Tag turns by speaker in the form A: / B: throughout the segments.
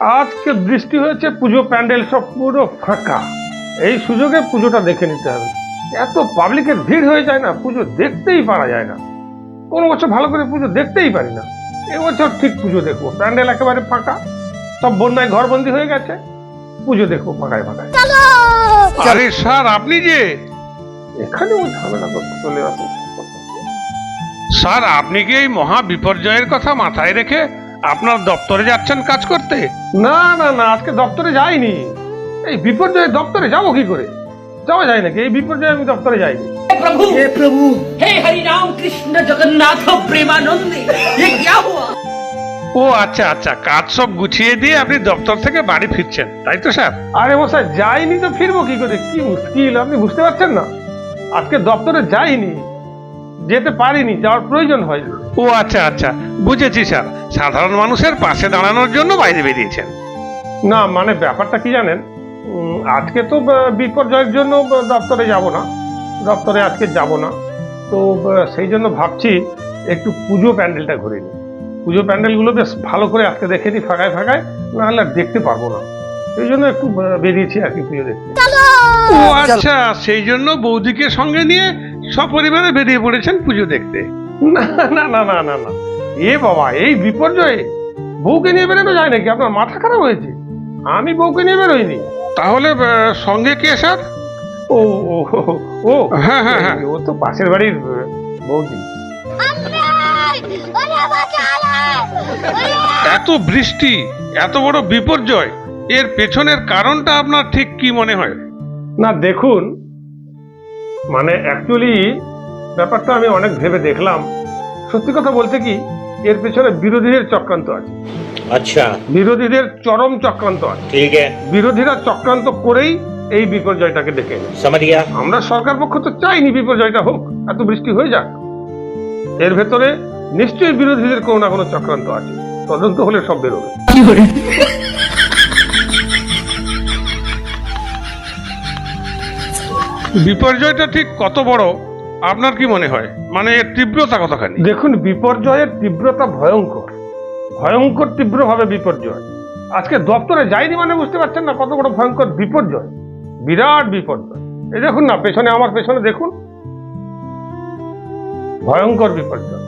A: আজকে বৃষ্টি হয়েছে, পুজো প্যান্ডেল সব পুরো ফাঁকা। এই সুযোগে পুজোটা দেখে নিতে হবে। এত পাবলিকের ভিড় হয়ে যায় না, পুজো দেখতেই পারা যায় না। কোনো বছর ভালো করে পুজো দেখতেই পারি না, এবছর ঠিক পুজো দেখবো। প্যান্ডেল একেবারে ফাঁকা, সব বন্যায় ঘরবন্দি হয়ে গেছে, পুজো দেখবো ফাঁকায় ফাঁকায়।
B: আরে স্যার, আপনি যে
A: এখানে ওই ঝামেলা করতে চলে আসে।
B: স্যার, আপনি কি এই মহা বিপর্যয়ের কথা মাথায় রেখে আপনার দপ্তরে যাচ্ছেন কাজ করতে?
A: না না না, আজকে দপ্তরে যাইনি। এই বিপর্যয়ে দপ্তরে যাবো কি করে? যাওয়া যায় নাকি? এই বিপর্যয়ে আমি দপ্তরে যাইনি।
C: हे प्रभु हे हरि राम कृष्ण जगन्नाथ प्रेमानंद, ये क्या हुआ?
B: ও আচ্ছা আচ্ছা, কাজ সব গুছিয়ে দিয়ে আপনি দপ্তর থেকে বাড়ি ফিরছেন, তাই তো স্যার?
A: আরে মশাই, যাইনি তো ফিরবো কি করে? কি মুশকিল, আপনি বুঝতে পারছেন না? আজকে দপ্তরে যাইনি, যেতে পারিনি, যাওয়ার প্রয়োজন হয়।
B: ও আচ্ছা আচ্ছা, বুঝেছি স্যার। সাধারণ মানুষের পাশে দাঁড়ানোর জন্য বাইরে বেরিয়েছেন।
A: না মানে ব্যাপারটা কি জানেন, আজকে তো বিপর্যয়ের জন্য দপ্তরে যাব না, দপ্তরে আজকে যাব না। তো সেই জন্য ভাবছি একটু পুজো প্যান্ডেলটা ঘুরে নিই। পুজো প্যান্ডেলগুলো বেশ ভালো করে আজকে দেখে নিই ফাঁকায় ফাঁকায়, নাহলে আর দেখতে পারবো না। সেই জন্য একটু বেরিয়েছি আর কি পুজো দেখতে।
B: ও আচ্ছা, সেই জন্য বৌদিকে সঙ্গে নিয়ে সপরিবারে বেরিয়ে পড়েছেন পুজো দেখতে?
A: না না না না না না, এ বাবা, এই বিপর্যয়ে বউকে নিয়ে বেরোনো যায় নাকি? আপনার মাথা খারাপ হয়েছে? আমি বউকে নিয়ে বেরোইনি।
B: তাহলে সঙ্গে কে স্যার?
A: ও ও ও
B: হ্যাঁ হ্যাঁ হ্যাঁ,
A: ও তো পাশের বাড়ির বৌদি।
B: এত বৃষ্টি, এত বড় বিপর্যয়, এর পেছনের কারণটা আপনার ঠিক কি মনে হয়?
A: না দেখুন, মানে অ্যাকচুয়ালি ব্যাপারটা আমি অনেক ভেবে দেখলাম। সত্যি কথা বলতে কি, এর পেছনে বিরোধীদের চক্রান্ত আছে।
D: अच्छा,
A: বিরোধীদের চরম চক্রান্ত আছে।
D: ठीक है,
A: বিরোধীরা চক্রান্ত করেই এই বিপর্যয়টাকে ডেকে এনেছে।
D: समझ गया।
A: আমরা সরকার পক্ষ তো চাইনি বিপর্যয়টা হোক, এত বৃষ্টি হয়ে যাক। এর ভেতরে নিশ্চয়ই বিরোধীদের কোনো না কোনো চক্রান্ত আছে, তদন্ত হলে সব বেরোবে।
B: বিপর্যয়টা ঠিক কত বড় আপনার কি মনে হয়? মানে এর তীব্রতা কতখানি?
A: দেখুন, বিপর্যয়ের তীব্রতা ভয়ঙ্কর, ভয়ঙ্কর তীব্রভাবে বিপর্যয়। আজকে দপ্তরে যাইনি মানে বুঝতে পারছেন না কত বড় ভয়ঙ্কর বিপর্যয়, বিরাট বিপর্যয়। এই দেখুন না, পেছনে, আমার পেছনে দেখুন, ভয়ঙ্কর বিপর্যয়।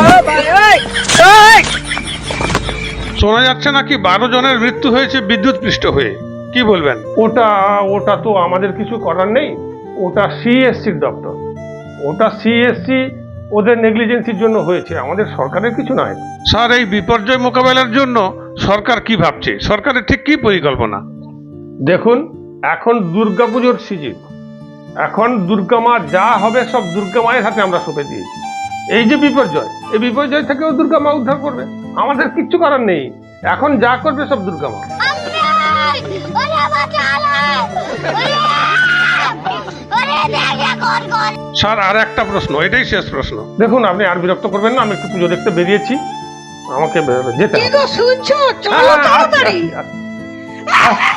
B: শোনা যাচ্ছে নাকি 12 জনের মৃত্যু হয়েছে বিদ্যুৎ পৃষ্ঠ হয়ে, কি বলবেন?
A: ওটা ওটা তো আমাদের কিছু করার নেই, ওটা সিএসসির দপ্তর, ওটা সিএসসি ওদের নেগলিজেন্সির জন্য হয়েছে, আমাদের সরকারের কিছু নয়।
B: স্যার, এই বিপর্যয় মোকাবেলার জন্য সরকার কি ভাবছে? সরকারের ঠিক কি পরিকল্পনা?
A: দেখুন, এখন দুর্গাপুজোর সিজন, এখন দুর্গা মা যা হবে সব দুর্গা মায়ের হাতে আমরা সঁপে দিয়েছি। এই যে বিপর্যয়, এই বিপর্যয় থেকেও দুর্গা মা উদ্ধার করবে, আমাদের কিচ্ছু করার নেই। এখন যা করবে সব দুর্গা মা।
B: স্যার, আর একটা প্রশ্ন, এটাই শেষ প্রশ্ন।
A: দেখুন, আপনি আর বিরক্ত করবেন না, আমি একটু পুজো দেখতে বেরিয়েছি, আমাকে যেতে হবে।
C: শুনছো? চলো
A: হ্যাঁ,
C: তাড়াতাড়ি।
A: আসছি, আসছি, আসছি।